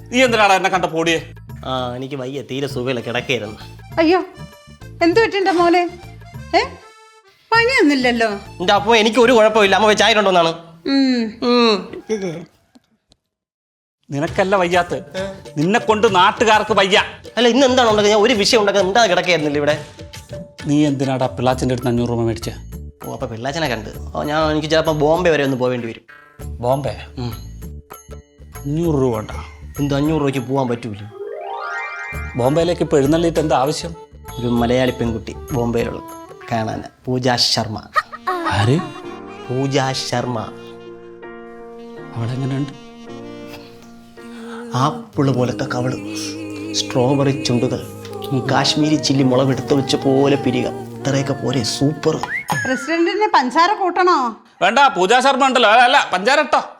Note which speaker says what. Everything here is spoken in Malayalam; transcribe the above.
Speaker 1: നീ എന്തിനാടാ എന്നെ കണ്ട പോടിയേ?
Speaker 2: ആ എനിക്ക് വയ്യ, തീരെ സുഖമില്ല, കിടക്കായിരുന്നു.
Speaker 3: അയ്യോ, എന്ത് പറ്റിണ്ട മോനെ? പനിയൊന്നുമില്ലല്ലോ.
Speaker 2: എന്റെ അപ്പൊ എനിക്ക് ഒരു കുഴപ്പമില്ല. അമ്മ ചായ കൊണ്ടോന്നാണ്.
Speaker 1: നിനക്കല്ല വയ്യാത്ത, നിന്നെ കൊണ്ട് നാട്ടുകാർക്ക് വയ്യ.
Speaker 2: അല്ല ഇന്ന് എന്താണ് ഉണ്ടാക്കുക? ഞാൻ ഒരു വിഷയം ഉണ്ടാക്കുക, എന്താ കിടക്കായിരുന്നില്ല ഇവിടെ.
Speaker 1: നീ എന്തിനാടാ പിള്ളാച്ചിൻ്റെ അടുത്ത് 500 രൂപ മേടിച്ച?
Speaker 2: ഓ അപ്പൊ പിള്ളാച്ചനെ കണ്ട് എനിക്ക് ചിലപ്പോൾ ബോംബെ വരെ ഒന്ന് പോവേണ്ടി വരും.
Speaker 1: ബോംബെ? 500 രൂപ ഉണ്ടോ?
Speaker 2: എന്ത് 500 രൂപയ്ക്ക് പോകാൻ പറ്റൂല?
Speaker 1: ബോംബെയിലേക്ക് ഇപ്പോൾ എഴുന്നള്ളിയിട്ട് എന്താ ആവശ്യം?
Speaker 2: ഒരു മലയാളി പെൺകുട്ടി ബോംബെയിലുള്ള കാണാൻ, പൂജ ശർമ്മ.
Speaker 1: ആര്?
Speaker 2: പൂജ ശർമ്മ.
Speaker 1: അവളെങ്ങനെയുണ്ട്?
Speaker 2: ആപ്പിള് പോലത്തെ കവള്, സ്ട്രോബെറി ചുണ്ടുകൾ, കാശ്മീരി ചില്ലി മുളകെടുത്ത് വെച്ച പോലെ പിരിക, ഇത്രയൊക്കെ പോലെ സൂപ്പർ.
Speaker 3: പ്രസിഡന്റിന് പഞ്ചാര കൂട്ടണോ?
Speaker 1: വേണ്ട, പൂജാ ശർമ്മ ഉണ്ടല്ലോ. അല്ല പഞ്ചാര ഇട്ടോ.